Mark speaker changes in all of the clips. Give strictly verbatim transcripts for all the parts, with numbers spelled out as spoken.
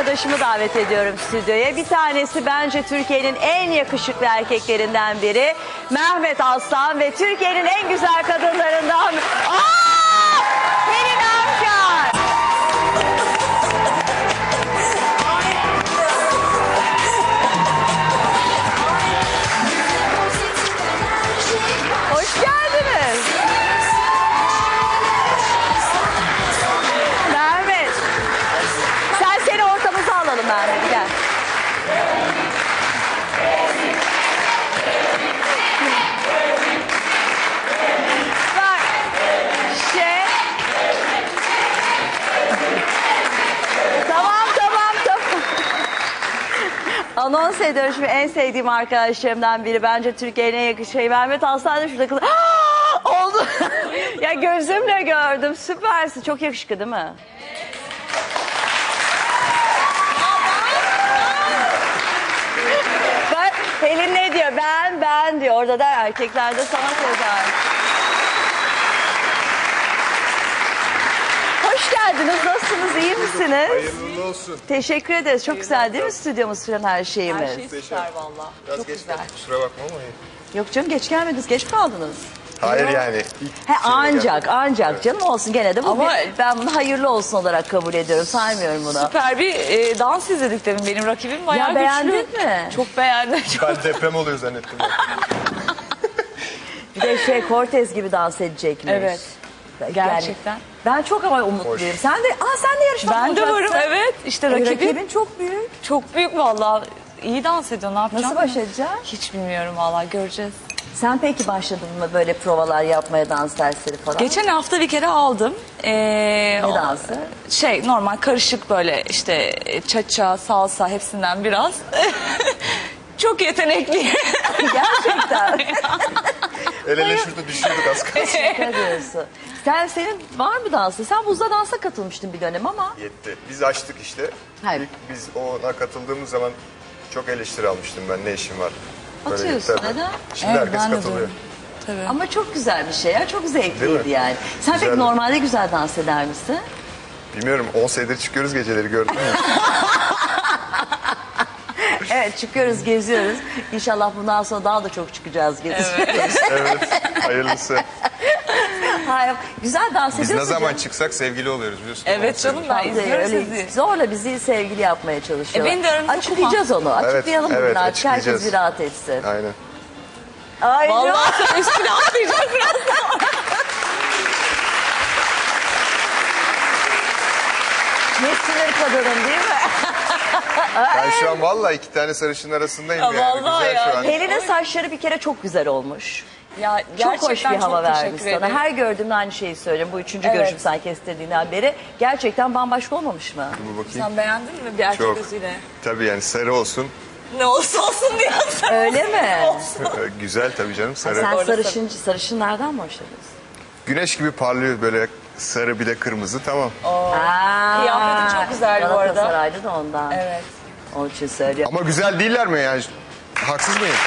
Speaker 1: arkadaşımı davet ediyorum stüdyoya. Bir tanesi bence Türkiye'nin en yakışıklı erkeklerinden biri. Mehmet Aslan ve Türkiye'nin en güzel kadınlarından... Aa! Pelin Afşar! Hoş geldiniz. Mehmet. Sen seni ortamıza alalım Mehmet. Gel. Bak. Şey. Tamam tamam tamam. Anons ediyorum şimdi en sevdiğim arkadaşlarımdan biri. Bence Türkiye'nin en yakışıklı şey. Mehmet Aslan da şurada kız. Oldu. Ya gözümle gördüm. Süpersin. Çok yakışıklı değil mi? Bak Pelin ne diyor? Ben ben diyor. Orada da erkeklerde sanat yazar. Hoş geldiniz. Nasılsınız? İyi misiniz?
Speaker 2: Hayırlı olsun.
Speaker 1: Teşekkür ederiz. Çok güzel değil mi stüdyomuz falan her şeyimiz?
Speaker 3: Her şey süper valla.
Speaker 2: Biraz
Speaker 3: Çok
Speaker 2: geç
Speaker 3: güzel.
Speaker 2: geldik, kusura bakma ama iyi.
Speaker 1: Yok canım geç gelmediniz. Geç mi kaldınız?
Speaker 2: Hayır yani. ilk
Speaker 1: He
Speaker 2: şeyle
Speaker 1: ancak
Speaker 2: geldim.
Speaker 1: ancak canım olsun gene de bu
Speaker 3: Ama-
Speaker 1: bir- ben bunu hayırlı olsun olarak kabul ediyorum. Saymıyorum bunu.
Speaker 3: Süper bir e, dans izledik demin. Benim rakibim bayağı
Speaker 1: Ya beğendin
Speaker 3: güçlü.
Speaker 1: mi?
Speaker 3: Çok beğendim. Çok...
Speaker 2: Ben deprem oluyor zannettim.
Speaker 1: Bir de şey Cortez gibi dans edecekmiş.
Speaker 3: Evet.
Speaker 1: Yani
Speaker 3: Gerçekten.
Speaker 1: ben çok ama umutluyum.
Speaker 2: Hoş.
Speaker 1: Sen de aa sen de yarışmak
Speaker 3: Ben de
Speaker 1: olacaksın.
Speaker 3: varım evet. İşte
Speaker 1: Ay,
Speaker 3: rakibim,
Speaker 1: rakibin çok büyük.
Speaker 3: çok büyük valla. İyi dans ediyor. Ne yapacağım?
Speaker 1: Nasıl baş edeceksin?
Speaker 3: Hiç bilmiyorum valla. Göreceğiz.
Speaker 1: Sen peki başladın mı böyle provalar yapmaya, dans dersleri falan?
Speaker 3: Geçen hafta bir kere aldım. Ee,
Speaker 1: Ne
Speaker 3: o-
Speaker 1: dansı?
Speaker 3: Şey normal karışık böyle işte cha-cha, salsa hepsinden biraz. Çok yetenekliyim.
Speaker 1: Gerçekten.
Speaker 2: El ele şurada düşüyorduk az kalsın.
Speaker 1: Ne diyorsun? Sen senin var mı dansı? Sen buzda dansa katılmıştın bir dönem ama.
Speaker 2: Yetti. Biz açtık işte.
Speaker 1: Hayır.
Speaker 2: İlk biz ona katıldığımız zaman çok eleştiri almıştım ben, ne işim var.
Speaker 1: Atıyorsun,
Speaker 2: tabii.
Speaker 1: neden?
Speaker 2: Şimdi
Speaker 3: Evet,
Speaker 2: herkes
Speaker 3: ben de
Speaker 2: katılıyor.
Speaker 3: duydum. Tabii.
Speaker 1: Ama çok güzel bir şey ya. Çok
Speaker 2: Değil
Speaker 1: zevkliydi
Speaker 2: mi?
Speaker 1: yani. Sen peki
Speaker 2: Güzeldi.
Speaker 1: normalde güzel dans eder misin?
Speaker 2: Bilmiyorum, on senedir çıkıyoruz geceleri, gördün mü?
Speaker 1: Evet çıkıyoruz, geziyoruz. İnşallah bundan sonra daha da çok çıkacağız, gezeceğiz.
Speaker 2: Evet, hayırlısı.
Speaker 1: Hayır, güzel dans
Speaker 2: Biz
Speaker 1: ediyorsun.
Speaker 2: ne zaman
Speaker 1: canım.
Speaker 2: çıksak sevgili oluyoruz biliyorsun.
Speaker 3: Evet
Speaker 2: On
Speaker 3: canım
Speaker 2: senedir.
Speaker 3: ben izliyorum
Speaker 1: Öyle
Speaker 3: sizi.
Speaker 1: zorla bizi sevgili yapmaya çalışıyorlar.
Speaker 3: E, beni de aranızda
Speaker 1: Açıklayacağız onu. Açıklayalım
Speaker 2: evet,
Speaker 1: bugün artık. Herkes
Speaker 2: açıklayacağız.
Speaker 1: bir rahat etsin.
Speaker 2: Aynen.
Speaker 1: Ay,
Speaker 3: Vallahi sen üstüne atlayacak biraz.
Speaker 1: ne sinir kadının değil mi?
Speaker 2: Ben şu an vallahi iki tane sarışın arasındayım
Speaker 3: Ya
Speaker 2: yani.
Speaker 3: vallahi
Speaker 2: Güzel
Speaker 3: ya.
Speaker 2: şu an.
Speaker 1: Pelin'in saçları bir kere çok güzel olmuş.
Speaker 3: Ya
Speaker 1: Çok hoş bir
Speaker 3: gerçekten
Speaker 1: hava
Speaker 3: çok
Speaker 1: vermiş
Speaker 3: teşekkür
Speaker 1: sana.
Speaker 3: ederim.
Speaker 1: Her gördüğümde aynı şeyi söylüyorum. Bu üçüncü
Speaker 3: Evet.
Speaker 1: görüşüm sen kestirdiğinden beri. Gerçekten bambaşka olmamış mı?
Speaker 2: Bu bakayım.
Speaker 3: Sen beğendin mi bir erkek
Speaker 2: Çok.
Speaker 3: gözüyle?
Speaker 2: Tabii yani sarı olsun.
Speaker 3: Ne olsa olsun diyorsun.
Speaker 1: Öyle mi?
Speaker 2: Güzel tabii canım, sarı.
Speaker 1: Sen
Speaker 3: Doğru
Speaker 1: sarışın, sarışınlardan mı hoşlanıyorsun?
Speaker 2: Güneş gibi parlıyor böyle, sarı bir de kırmızı, tamam.
Speaker 1: Aa,
Speaker 3: Kıyafetin çok güzel bu arada.
Speaker 1: Galatasaray'da da ondan.
Speaker 3: Evet.
Speaker 1: Onun için söylüyorum.
Speaker 2: Ama güzel değiller mi yani? Haksız mıyım?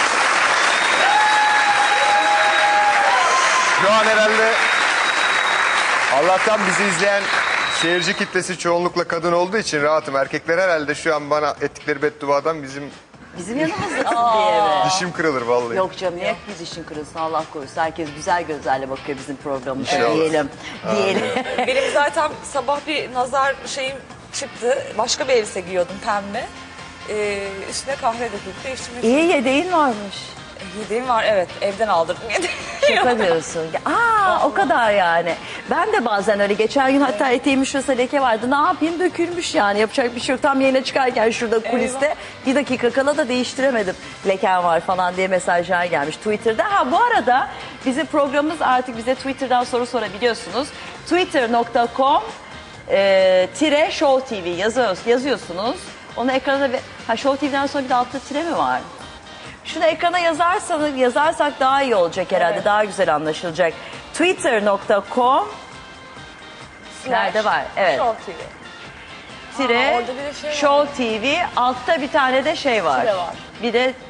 Speaker 2: Şu an herhalde Allah'tan bizi izleyen seyirci kitlesi çoğunlukla kadın olduğu için rahatım. Erkekler herhalde şu an bana ettikleri bedduadan bizim
Speaker 1: Bizim yanımızdasın diye mi?
Speaker 2: dişim kırılır vallahi.
Speaker 1: Yok canım niye bir dişin kırılsın Allah korusun. Herkes güzel gözlerle bakıyor bizim programımıza
Speaker 2: İnşallah.
Speaker 1: diyelim. Diyelim.
Speaker 3: Benim zaten sabah bir nazar şeyim çıktı. Başka bir elbise giyiyordum pembe. Ee, üstüne kahve döküp değiştirmek
Speaker 1: İyi yedeğin varmış.
Speaker 3: Yediğim var evet. Evden aldırdım yedim.
Speaker 1: Şaka diyorsun. Aa o kadar yani. Ben de bazen öyle geçen gün hatta eteğimin şurası leke vardı. Ne yapayım dökülmüş yani. Yapacak bir şey yok. Tam yayına çıkarken şurada kuliste bir dakika kala da değiştiremedim. Leken var falan diye mesajlar gelmiş Twitter'da. Ha bu arada bizim programımız artık bize Twitter'dan soru sorabiliyorsunuz. twitter nokta com e, tire Show T V yazıyoruz, yazıyorsunuz. Onu ekrana ve ha Show T V'den sonra bir de altta tire mi var? Şunu ekrana yazarsanız yazarsak daha iyi olacak herhalde.
Speaker 3: Evet.
Speaker 1: Daha güzel anlaşılacak. twitter nokta com Nerede var? Evet.
Speaker 3: Show T V.
Speaker 1: Tire
Speaker 3: Aa, orada bir de şey var.
Speaker 1: Show T V altta bir tane de şey var.
Speaker 3: Tire var.
Speaker 1: Bir de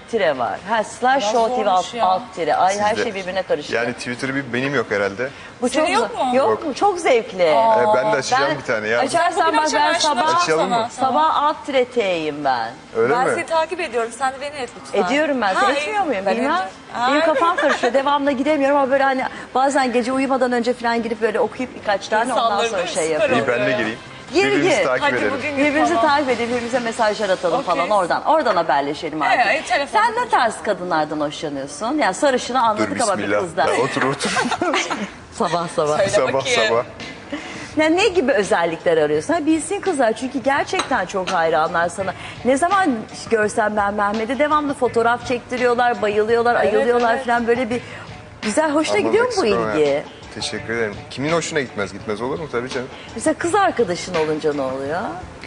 Speaker 1: tire var. Ha slash
Speaker 3: Biraz
Speaker 1: show T V alt,
Speaker 3: zormuş ya.
Speaker 1: alt tire. Ay her
Speaker 2: Sizde.
Speaker 1: şey birbirine karıştı.
Speaker 2: Yani Twitter'ı bir benim yok herhalde.
Speaker 1: Bu
Speaker 3: Senin
Speaker 1: çok
Speaker 3: yok mu?
Speaker 1: Yok mu? Çok zevkli.
Speaker 2: Ee, ben de açacağım
Speaker 1: ben-
Speaker 2: bir tane ya.
Speaker 1: Açarsan
Speaker 3: Bugün
Speaker 1: bak
Speaker 3: akşam
Speaker 1: ben
Speaker 3: ben şunu
Speaker 1: sabah,
Speaker 2: Açalım mı?
Speaker 3: sana.
Speaker 1: sabah alt tire T'yim ben.
Speaker 2: Öyle
Speaker 3: Ben
Speaker 2: mi?
Speaker 3: seni takip ediyorum. Sen de beni et lütfen.
Speaker 1: Ediyorum ben.
Speaker 3: Ha,
Speaker 1: Sen
Speaker 3: iyi.
Speaker 1: etmiyor muyum?
Speaker 3: Ben
Speaker 1: Bilmem.
Speaker 3: ediyorum.
Speaker 1: Benim
Speaker 3: Ay.
Speaker 1: kafam karışıyor. Devamlı gidemiyorum ama böyle hani bazen gece uyumadan önce falan girip böyle okuyup birkaç tane ondan
Speaker 3: İnsanları
Speaker 1: sonra
Speaker 3: değil mi?
Speaker 1: şey
Speaker 3: Süper
Speaker 1: yapıyorum.
Speaker 2: İyi ben de
Speaker 3: ya.
Speaker 2: gireyim.
Speaker 1: Gir,
Speaker 2: Birbirimizi
Speaker 1: gir.
Speaker 2: takip
Speaker 3: Hadi
Speaker 2: edelim.
Speaker 3: bugün gir
Speaker 1: Birbirimizi
Speaker 3: falan.
Speaker 1: takip edelim, birbirimize mesajlar atalım
Speaker 3: Okey.
Speaker 1: falan oradan. Oradan haberleşelim artık.
Speaker 3: Evet, telefon.
Speaker 1: Sen ne tarz kadınlardan hoşlanıyorsun? Yani sarışını anladık
Speaker 2: Dur
Speaker 1: ama bir
Speaker 2: bismillah.
Speaker 1: kızdan.
Speaker 2: Ya, otur otur.
Speaker 1: Sabah sabah.
Speaker 3: Söyle
Speaker 2: sabah
Speaker 3: bakayım.
Speaker 2: sabah.
Speaker 1: Yani ne gibi özellikler arıyorsun? Ha, bilsin kızlar çünkü gerçekten çok hayranlar sana. Ne zaman görsem ben Mehmet'i devamlı fotoğraf çektiriyorlar, bayılıyorlar,
Speaker 3: Evet,
Speaker 1: ayılıyorlar
Speaker 3: evet.
Speaker 1: falan böyle bir güzel, hoşuna
Speaker 2: Ama
Speaker 1: gidiyor mu bu
Speaker 2: Meksika
Speaker 1: ilgi?
Speaker 2: ya. Teşekkür ederim. Kimin hoşuna gitmez? Gitmez olur mu? Tabii canım.
Speaker 1: Mesela kız arkadaşın olunca ne oluyor?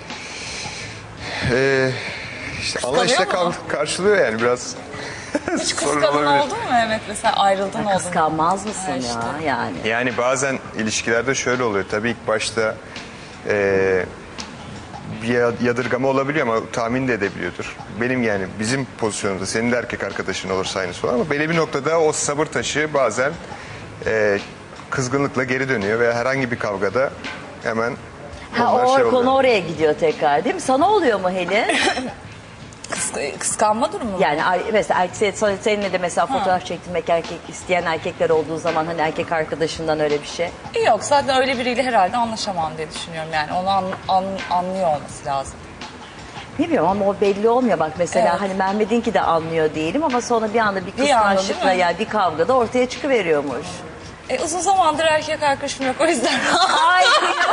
Speaker 2: Ee, işte anlayışla
Speaker 3: Kıskanıyor mu?
Speaker 2: kal- karşılıyor yani biraz.
Speaker 3: Hiç
Speaker 2: sorun
Speaker 3: kıskanın
Speaker 2: olabilir.
Speaker 3: oldu mu Mehmet? Mesela ayrıldın oldu mu?
Speaker 1: Kıskanmaz mısın
Speaker 3: Ha,
Speaker 1: ya
Speaker 3: işte.
Speaker 1: yani?
Speaker 2: Yani bazen ilişkilerde şöyle oluyor. Tabii ilk başta eee, bir ya- yadırgama olabiliyor ama tahmin de edebiliyordur. Benim yani bizim pozisyonumuzda senin de erkek arkadaşın olursa aynısı olur ama belli bir noktada o sabır taşı bazen eee, kızgınlıkla geri dönüyor ve herhangi bir kavgada hemen
Speaker 1: Ha,
Speaker 2: onlar
Speaker 1: o
Speaker 2: şey
Speaker 1: konu
Speaker 2: oluyor.
Speaker 1: oraya gidiyor tekrar değil mi? Sana oluyor mu Helin?
Speaker 3: Kıs- kıskanma durumu mu?
Speaker 1: Yani ay- mesela erkek, seninle de mesela fotoğraf çektirmek erkek isteyen erkekler olduğu zaman hani erkek arkadaşından öyle bir şey.
Speaker 3: Yok zaten öyle biriyle herhalde anlaşamam diye düşünüyorum yani. Onu an- an- anlıyor olması lazım.
Speaker 1: Bilmiyorum ama o belli olmuyor bak mesela
Speaker 3: Evet.
Speaker 1: hani Mehmet'inki de anlıyor değilim ama sonra bir anda bir
Speaker 3: Bir anda,
Speaker 1: kıskançlıkla
Speaker 3: değil mi?
Speaker 1: yani bir kavgada ortaya çıkıveriyormuş.
Speaker 3: E, uzun zamandır erkek arkadaşım yok o yüzden.
Speaker 1: Ay.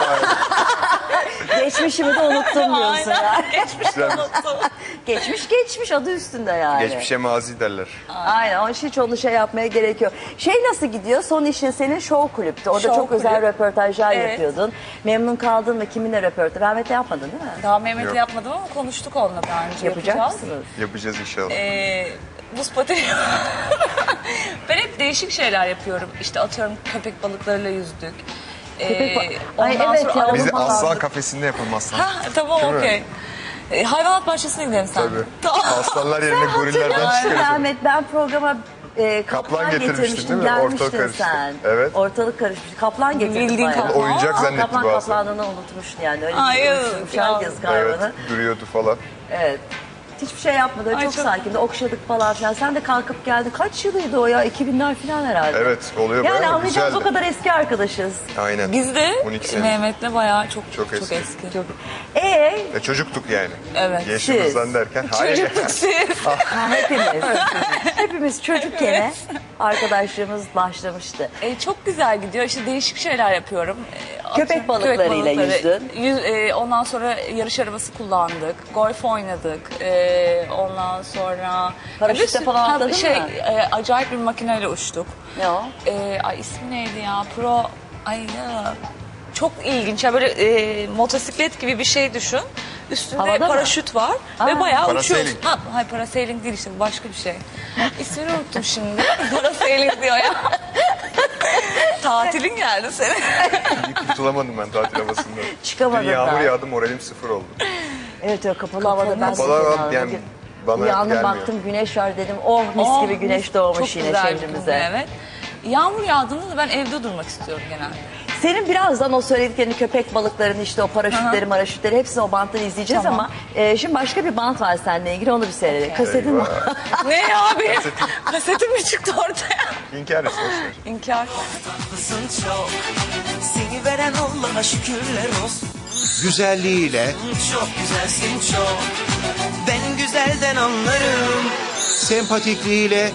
Speaker 1: Geçmişimi de unuttum diyorsun ya.
Speaker 3: Aynen. Geçmişte
Speaker 2: Güzel.
Speaker 3: unuttum.
Speaker 1: Geçmiş geçmiş adı üstünde yani.
Speaker 2: Geçmişe mazi derler.
Speaker 1: Aynen onun için hiç onu şey yapmaya gerek yok. Şey nasıl gidiyor? Son işin senin show kulüptü. Orada
Speaker 3: Show
Speaker 1: çok özel
Speaker 3: kulüp.
Speaker 1: röportajlar
Speaker 3: Evet.
Speaker 1: yapıyordun. Memnun kaldın mı? Kiminle röportaj? Mehmet'le yapmadın değil mi?
Speaker 3: Daha Mehmet'le
Speaker 2: Yok.
Speaker 3: yapmadım ama konuştuk onunla daha önce.
Speaker 1: Yapacak
Speaker 3: yapacağız.
Speaker 1: mısınız?
Speaker 2: Yapacağız inşallah.
Speaker 3: Ee, buz pateni. Ben hep değişik şeyler yapıyorum. İşte atıyorum köpek balıklarıyla yüzdük. Ee,
Speaker 1: Köpek ba- Ay
Speaker 3: ondan
Speaker 1: evet
Speaker 3: sonra
Speaker 1: ya,
Speaker 3: araba
Speaker 2: Biz de
Speaker 1: falan.
Speaker 2: aslan kafesinde yapalım aslan.
Speaker 3: Ha, tamam
Speaker 2: Değil mi?
Speaker 3: okey. Ee, hayvanat bahçesine gidelim sen.
Speaker 2: Tabii.
Speaker 3: Tamam.
Speaker 2: Aslanlar yerine gorillerden
Speaker 1: Hatırlıyorsun
Speaker 2: çıkarız.
Speaker 1: Mehmet ben programa e, kaplan,
Speaker 2: Kaplan getirmiştin
Speaker 1: getirmiştim.
Speaker 2: değil mi? Ortalık
Speaker 1: Gelmiştin
Speaker 2: karıştı.
Speaker 1: sen.
Speaker 2: Evet.
Speaker 1: Ortalık karışmış. Kaplan getirdim
Speaker 3: Bildiğin
Speaker 1: bayağı.
Speaker 3: kaplan.
Speaker 2: Oyuncak
Speaker 1: Aa,
Speaker 2: zannetti
Speaker 1: kaplan
Speaker 2: bazen.
Speaker 1: kaplanlığını unutmuşsun yani. Öyle
Speaker 3: Ay,
Speaker 1: bir
Speaker 3: yazık
Speaker 1: unutmuş.
Speaker 3: ya.
Speaker 1: Yazık
Speaker 2: Evet,
Speaker 1: hayvanı.
Speaker 2: duruyordu falan.
Speaker 1: Evet. Hiçbir şey yapmadı.
Speaker 3: Ay,
Speaker 1: çok,
Speaker 3: çok-
Speaker 1: sakindi. Okşadık falan filan. Sen de kalkıp geldin. Kaç yılıydı o ya? iki binler falan herhalde.
Speaker 2: Evet, oluyor
Speaker 1: Yani
Speaker 2: bayağı
Speaker 1: anlayacağız o
Speaker 2: güzeldi.
Speaker 1: kadar eski arkadaşız.
Speaker 2: Aynen.
Speaker 3: Biz de
Speaker 2: on iki sene.
Speaker 3: Mehmet'le bayağı çok
Speaker 2: Çok
Speaker 3: çok,
Speaker 2: eski.
Speaker 3: eski.
Speaker 1: Çok. Ee,
Speaker 2: E, çocuktuk yani.
Speaker 3: Evet.
Speaker 2: Yaşımızdan
Speaker 1: Siz.
Speaker 2: derken. Hayır.
Speaker 3: Çocukluk siz.
Speaker 1: ha, hepimiz. hepimiz çocukken arkadaşlığımız başlamıştı.
Speaker 3: E, çok güzel gidiyor. İşte değişik şeyler yapıyorum. E,
Speaker 1: Köpek
Speaker 3: atıyorum,
Speaker 1: balıklarıyla
Speaker 3: balıkları.
Speaker 1: yüzdün.
Speaker 3: Yüz- e, ondan sonra yarış arabası kullandık. Golf oynadık. E, ondan sonra...
Speaker 1: Paraşütle
Speaker 3: Bir sürü-
Speaker 1: falan
Speaker 3: Ha,
Speaker 1: atladın
Speaker 3: şey,
Speaker 1: mı?
Speaker 3: e, acayip bir makineyle uçtuk.
Speaker 1: Ne o?
Speaker 3: E, ay ismi neydi ya? Pro... Ay ya... Çok ilginç. Ya böyle e, motosiklet gibi bir şey düşün. Üstünde
Speaker 1: Havada mı?
Speaker 3: paraşüt var
Speaker 1: Aa.
Speaker 3: ve bayağı
Speaker 2: Parasailing.
Speaker 3: uçuyorsun. Ha, hayır parasailing değil işte bu başka bir şey. İsmini unuttum şimdi. Parasailing diyor ya. Tatilin geldi senin.
Speaker 2: İyi kurtulamadım ben tatil havasında.
Speaker 1: Çıkamadın
Speaker 2: Dün yağmur
Speaker 1: daha.
Speaker 2: yağdı moralim sıfır oldu.
Speaker 1: Evet o kapalı havada ben
Speaker 2: Kapalı
Speaker 1: de
Speaker 2: hava
Speaker 1: inandım.
Speaker 2: yani bana
Speaker 1: Uyandım
Speaker 2: gelmiyor.
Speaker 1: baktım güneş var dedim. Oh mis
Speaker 3: Oh,
Speaker 1: gibi güneş
Speaker 3: mis-
Speaker 1: doğmuş
Speaker 3: çok
Speaker 1: yine
Speaker 3: güzel bir
Speaker 1: çevremize.
Speaker 3: gün, Evet. Yağmur yağdığında da ben evde durmak istiyorum genelde.
Speaker 1: Senin birazdan o söylediklerini köpek balıklarını işte o paraşütleri maraşütleri hepsini o banttan izleyeceğiz
Speaker 3: Tamam.
Speaker 1: ama e, şimdi başka bir bant var seninle ilgili onu bir seyredelim.
Speaker 3: Okey.
Speaker 1: Kasetin var.
Speaker 3: Ne ya abi? Kasetim mi çıktı ortaya?
Speaker 2: İnkar etsin. boş ver.
Speaker 3: İnkar.
Speaker 4: Tatlısın çok, seni veren Allah'a şükürler olsun.
Speaker 5: Güzelliğiyle,
Speaker 4: Çok güzelsin çok, ben güzelden anlarım.
Speaker 5: sempatikliğiyle,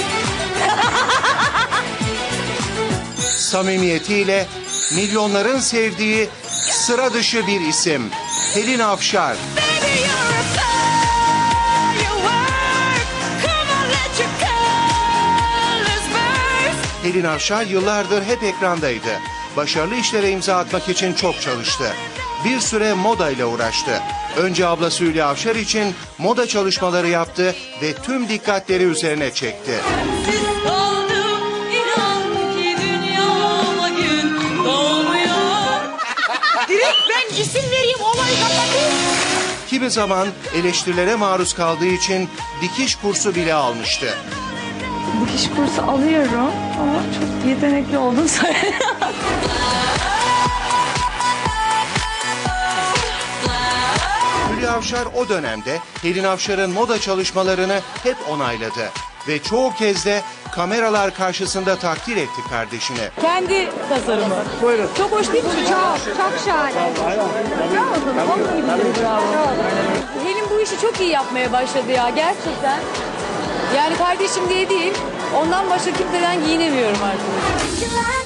Speaker 5: samimiyetiyle milyonların sevdiği sıra dışı bir isim. Pelin Afşar.
Speaker 4: Baby you're a firework, come on let your colors burst.
Speaker 5: Pelin Afşar yıllardır hep ekrandaydı. Başarılı işlere imza atmak için çok çalıştı. Bir süre moda ile uğraştı. Önce ablası Hülya Avşar için moda çalışmaları yaptı ve tüm dikkatleri üzerine çekti.
Speaker 3: Kaldım inan ki dünyama gün doğmuyor.
Speaker 4: Direkt ben isim vereyim olayı kapatayım.
Speaker 5: Kimi zaman eleştirilere maruz kaldığı için dikiş kursu bile almıştı.
Speaker 1: Dikiş kursu alıyorum ama çok yetenekli olduğunu söylüyorum.
Speaker 5: Hülya Avşar o dönemde Helin Avşar'ın moda çalışmalarını hep onayladı. Ve çoğu kez de kameralar karşısında takdir etti kardeşini.
Speaker 6: Kendi tasarımı. Buyurun. Çok hoş değil mi? Çok, çok şahane. Bravo sana. Onun gibi de bravo. Helin bu işi çok iyi yapmaya başladı ya gerçekten. Yani kardeşim diye değil, ondan başka kimseden giyinemiyorum artık.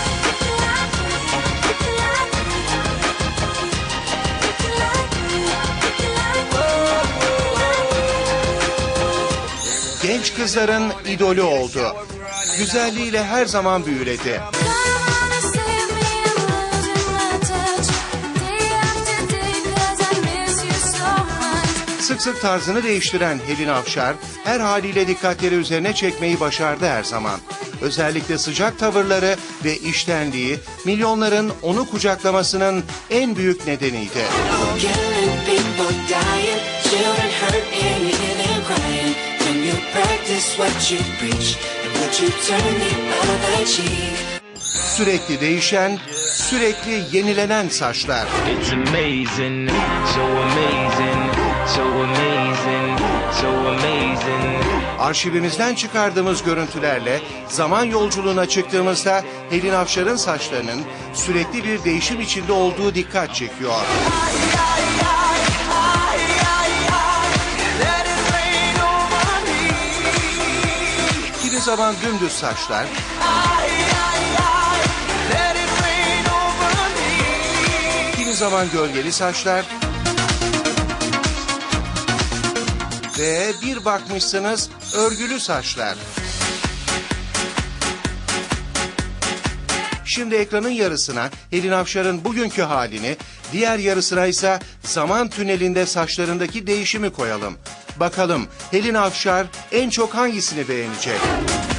Speaker 5: Genç kızların idolü oldu. Güzelliğiyle her zaman büyüledi. Sık sık tarzını değiştiren Helin Avşar her haliyle dikkatleri üzerine çekmeyi başardı her zaman. Özellikle sıcak tavırları ve içtenliği milyonların onu kucaklamasının en büyük nedeniydi. Sürekli değişen, sürekli yenilenen saçlar.
Speaker 7: It's amazing, so amazing, so amazing, so amazing.
Speaker 5: Arşivimizden çıkardığımız görüntülerle zaman yolculuğuna çıktığımızda Helin Avşar'ın saçlarının sürekli bir değişim içinde olduğu dikkat çekiyor. Kimi zaman dümdüz saçlar, kimi zaman gölgeli saçlar ve bir bakmışsınız örgülü saçlar. Şimdi ekranın yarısına Helin Avşar'ın bugünkü halini, diğer yarısına ise zaman tünelinde saçlarındaki değişimi koyalım. Bakalım Helin Avşar en çok hangisini beğenecek?